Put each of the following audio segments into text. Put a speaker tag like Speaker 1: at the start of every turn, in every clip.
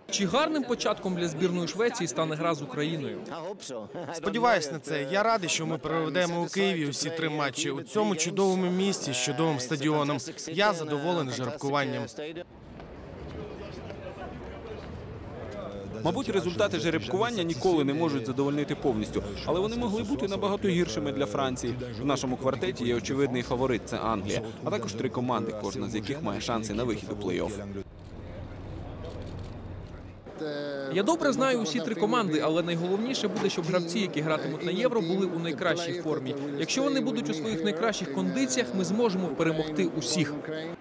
Speaker 1: Чи гарним початком для збірної Швеції стане гра з Україною?
Speaker 2: Сподіваюсь на це. Я радий, що ми проведемо у Києві усі 3 матчі у цьому чудовому місті з чудовим стадіоном. Я задоволений жеребкуванням.
Speaker 3: Мабуть, результати жеребкування ніколи не можуть задовольнити повністю, але вони могли бути набагато гіршими для Франції. В нашому квартеті є очевидний фаворит – це Англія, а також 3 команди, кожна з яких має шанси на вихід у плей-офф.
Speaker 1: Я добре знаю усі 3 команди, але найголовніше буде, щоб гравці, які гратимуть на Євро, були у найкращій формі. Якщо вони будуть у своїх найкращих кондиціях, ми зможемо перемогти усіх.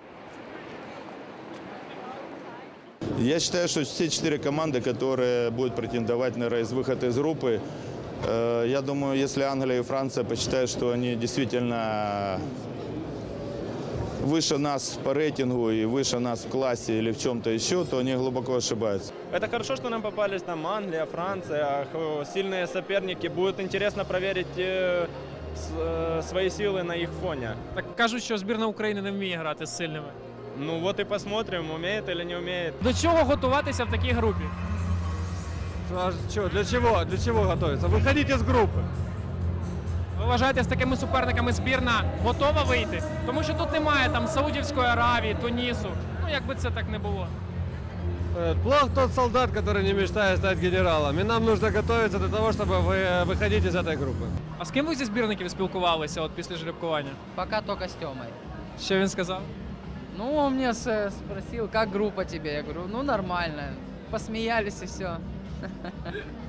Speaker 4: Я считаю, что все 4 команды, которые будут претендовать на выход из группы, я думаю, если Англия и Франция посчитают, что они действительно выше нас по рейтингу и выше нас в классе или в чем-то еще, то они глубоко ошибаются.
Speaker 5: Это хорошо, что нам попались там Англия, Франция, сильные соперники. Будет интересно проверить свои силы на их фоне.
Speaker 6: Так кажуть, що збірна України не вміє грати з сильними.
Speaker 5: Ну вот и посмотрим, умеет или не умеет.
Speaker 6: До чого готуватися в такій групі?
Speaker 7: Для чего? Для чего готовиться? Выходите из группы.
Speaker 6: Ви вважаєте, з такими суперниками збірна готова вийти? Тому що тут немає там Саудівської Аравії, Тунісу. Ну, якби це так не було.
Speaker 7: Плох тот солдат, который не мечтает стать генералом. И нам нужно готовиться для того, чтобы выходить из этой группы.
Speaker 6: А з ким ви зі збірників спілкувалися от після жеребкування?
Speaker 8: Пока только с Тёмой.
Speaker 6: Що він сказав?
Speaker 8: Ну, он мне спросил, как группа тебе? Я говорю, ну, нормально. Посмеялись и все.